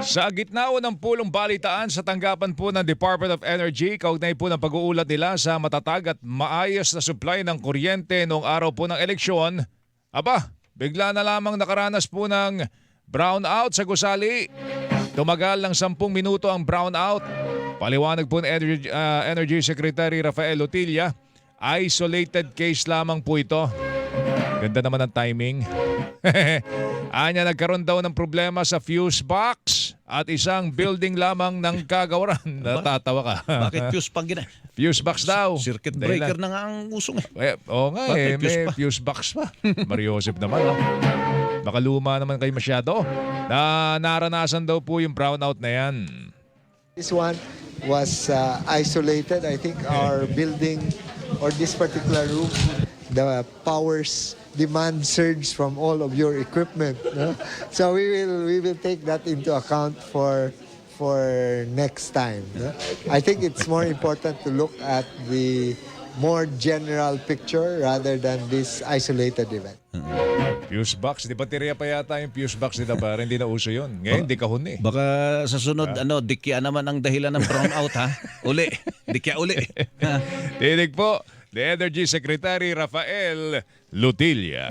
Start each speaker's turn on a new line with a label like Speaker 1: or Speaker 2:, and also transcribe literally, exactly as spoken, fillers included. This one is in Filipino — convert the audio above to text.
Speaker 1: Sa gitna po ng pulong balitaan sa tanggapan po ng Department of Energy, kaugnay po ng pag-uulat nila sa matatag at maayos na supply ng kuryente noong araw po ng eleksyon, aba, bigla na lamang nakaranas po ng brownout sa gusali. Tumagal ng sampung minuto ang brownout. Paliwanag po ng Energy, uh, Energy Secretary Rafael Lutilla, isolated case lamang po ito. Ganda naman ang timing. Anya, nagkaroon daw ng problema sa fuse box at isang building lamang ng kagawaran. Natatawa ka.
Speaker 2: Bakit fuse pang gina?
Speaker 1: Fuse box daw.
Speaker 2: Circuit breaker na nga ang usong eh.
Speaker 1: Eh, oo nga eh,
Speaker 2: Bakit fuse
Speaker 1: may
Speaker 2: pa?
Speaker 1: fuse box pa. Mario Joseph naman. Oh. Baka luma naman kayo masyado. Na naranasan daw po yung brownout na yan.
Speaker 3: This one was uh, isolated. I think our building or this particular room, the powers demand surge from all of your equipment. No? So we will we will take that into account for for next time. No? I think it's more important to look at the more general picture rather than this isolated event.
Speaker 1: Fuse box. Di baterya pa yata yung fuse box nila para hindi na uso yun. Ngayon, di kahon eh.
Speaker 2: Baka sa sunod, ano, dikya naman ang dahilan ng brownout, ha? Uli. Dikya uli.
Speaker 1: Tinig po, the Energy Secretary Rafael Lutilla.